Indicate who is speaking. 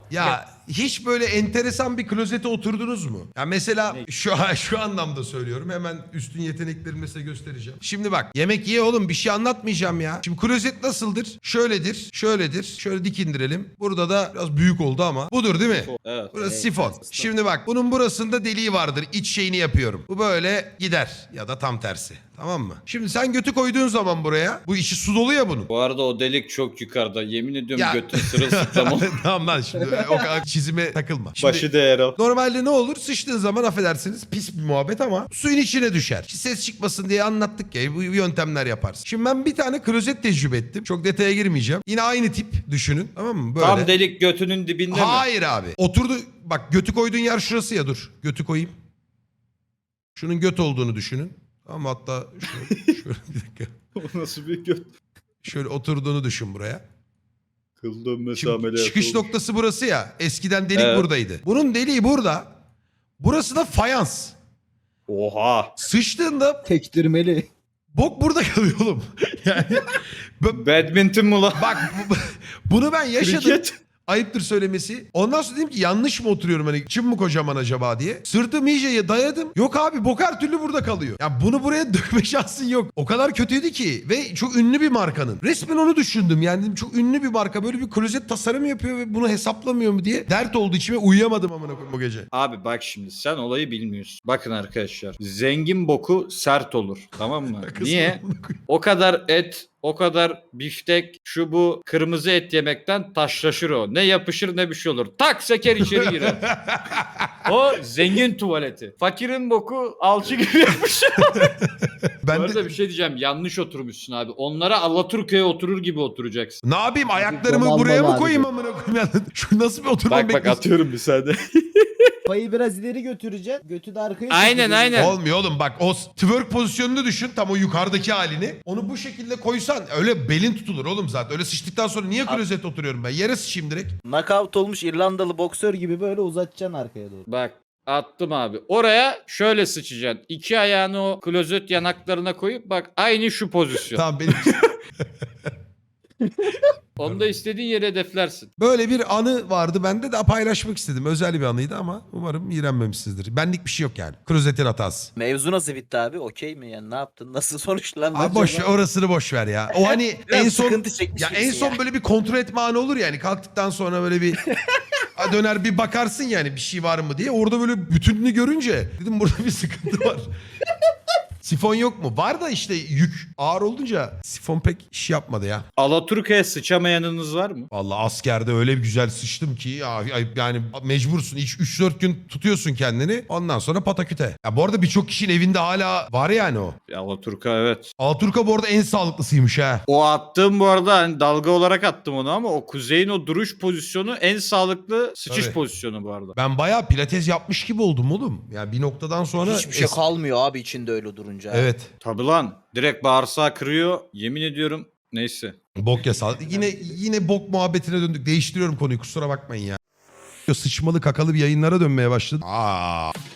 Speaker 1: Ya hiç böyle enteresan bir klozete oturdunuz mu? Ya mesela şu anlamda söylüyorum. Hemen üstün yeteneklerimi size göstereceğim. Şimdi bak, yemek ye oğlum, bir şey anlatmayacağım ya. Şimdi klozet nasıldır? Şöyledir, şöyledir. Şöyle dik indirelim. Burada da biraz büyük oldu ama. Budur değil mi?
Speaker 2: Evet.
Speaker 1: Burası sifon. Şimdi bak, bunun burasında deliği vardır. İç şeyini yapıyorum. Bu böyle gider ya da tam tersi. Tamam mı? Şimdi sen götü koyduğun zaman buraya, bu içi su dolu ya bunun.
Speaker 2: Bu arada o delik çok yukarıda. Yemin ediyorum
Speaker 1: Ya.
Speaker 2: götün sırılsıklam olur.
Speaker 1: Tamam lan, şimdi o kadar çizime takılma. Şimdi,
Speaker 2: Başı değer o.
Speaker 1: normalde ne olur? Sıçtığın zaman, affedersiniz, pis bir muhabbet ama suyun içine düşer. Ses çıkmasın diye anlattık ya, bu yöntemler yaparsın. Şimdi ben bir tane klozet tecrübe ettim. Çok detaya girmeyeceğim. Yine aynı tip düşünün, tamam mı? Böyle.
Speaker 2: Tam delik götünün dibinde mi?
Speaker 1: Hayır abi. Oturdu, bak götü koyduğun yer şurası ya, dur. Götü koyayım. Şunun göt olduğunu düşünün. Ama hatta şöyle bir dakika.
Speaker 2: O nasıl bir göt?
Speaker 1: Şöyle oturduğunu düşün buraya.
Speaker 2: Kıldım
Speaker 1: Şimdi
Speaker 2: mesameli.
Speaker 1: çıkış noktası burası ya. Eskiden delik
Speaker 2: Evet.
Speaker 1: buradaydı. Bunun deliği burada. Burası da fayans.
Speaker 2: Oha.
Speaker 1: Sıçtığında
Speaker 3: Tektirmeli.
Speaker 1: bok burada kalıyor oğlum. Yani
Speaker 2: Badminton mu lan?
Speaker 1: bak bunu ben yaşadım.
Speaker 2: Kriket.
Speaker 1: Ayıptır söylemesi. Ondan sonra dedim ki yanlış mı oturuyorum, hani çim mi kocaman acaba diye. Sırtım iyice dayadım. Yok abi, bok her türlü burada kalıyor. Ya bunu buraya dökme şansın yok. O kadar kötüydü ki ve çok ünlü bir markanın. Resmen onu düşündüm, yani dedim çok ünlü bir marka böyle bir klozet tasarımı yapıyor ve bunu hesaplamıyor mu diye. Dert oldu içime, uyuyamadım amına koyayım o gece.
Speaker 2: Abi bak şimdi sen olayı bilmiyorsun. Bakın arkadaşlar. Zengin boku sert olur. Tamam mı? Niye? O kadar et, o kadar biftek, şu bu kırmızı et yemekten taşlaşır o. Ne yapışır ne bir şey olur. Tak seker içeri girer. O zengin tuvaleti. Fakirin boku alçı gibi yapışır. Bu
Speaker 1: Ben
Speaker 2: arada
Speaker 1: de
Speaker 2: bir şey diyeceğim. Yanlış oturmuşsun abi. Onlara Alaturka'ya oturur gibi oturacaksın.
Speaker 1: ne yapayım, ayaklarımı
Speaker 3: domal
Speaker 1: buraya mı
Speaker 3: mal
Speaker 1: koyayım
Speaker 3: abi.
Speaker 1: amına koyayım? Yani şu nasıl bir oturma
Speaker 2: Bak
Speaker 1: bekliyorsun?
Speaker 2: atıyorum bir saniye.
Speaker 3: Kafayı biraz ileri götüreceksin. Götü de arkaya
Speaker 2: Aynen,
Speaker 3: çekeceksin.
Speaker 2: aynen.
Speaker 1: Olmuyor oğlum, bak o twerk pozisyonunu düşün, tam o yukarıdaki halini. Onu bu şekilde koysan öyle belin tutulur oğlum zaten. Öyle sıçtıktan sonra niye klozete oturuyorum ben? Yere sıçayım direkt.
Speaker 3: Knockout olmuş İrlandalı boksör gibi böyle uzatacaksın arkaya doğru.
Speaker 2: Bak attım abi. Oraya şöyle sıçacaksın. İki ayağını o klozet yanaklarına koyup bak aynı şu pozisyon.
Speaker 1: Tamam, benim
Speaker 2: Onu da istediğin yere hedeflersin.
Speaker 1: böyle bir anı vardı bende de, paylaşmak istedim. Özel bir anıydı ama umarım iğrenmemişsinizdir. Benlik bir şey yok yani. Klozetin hatası.
Speaker 4: Mevzu nasıl bitti abi? Okey mi yani? Ne yaptın? Nasıl sonuçlandı?
Speaker 1: Abi boş ver, orasını boş ver ya. O hani
Speaker 4: Biraz
Speaker 1: en son
Speaker 4: sıkıntı çekmiş
Speaker 1: ya en
Speaker 4: gibisin
Speaker 1: son
Speaker 4: ya.
Speaker 1: böyle bir kontrol etme anı olur yani, kalktıktan sonra böyle bir döner bir bakarsın yani bir şey var mı diye. Orada böyle bütününü görünce dedim burada bir sıkıntı var. Sifon yok mu? Var da işte yük ağır olunca sifon pek iş yapmadı ya.
Speaker 2: Alaturka'ya sıçamayanınız var mı?
Speaker 1: Vallahi askerde öyle bir güzel sıçtım ki ya, yani mecbursun. 3-4 gün tutuyorsun kendini. Ondan sonra pataküte. Ya bu arada birçok kişinin evinde hala var yani o.
Speaker 2: Alaturka evet.
Speaker 1: Alaturka bu arada en sağlıklısıymış ha.
Speaker 2: O attığım bu arada hani dalga olarak attım onu ama o kuzeyin o duruş pozisyonu en sağlıklı sıçış
Speaker 1: Tabii.
Speaker 2: pozisyonu bu arada.
Speaker 1: Ben bayağı pilates yapmış gibi oldum oğlum. Yani bir noktadan sonra...
Speaker 4: Hiçbir şey kalmıyor abi içinde öyle durunca.
Speaker 1: Evet.
Speaker 2: Tabi lan direkt bağırsağı kırıyor yemin ediyorum neyse.
Speaker 1: Bok yasağı. Yine bok muhabbetine döndük. Değiştiriyorum konuyu, kusura bakmayın ya. Sıçmalı kakalı bir yayınlara dönmeye başladı.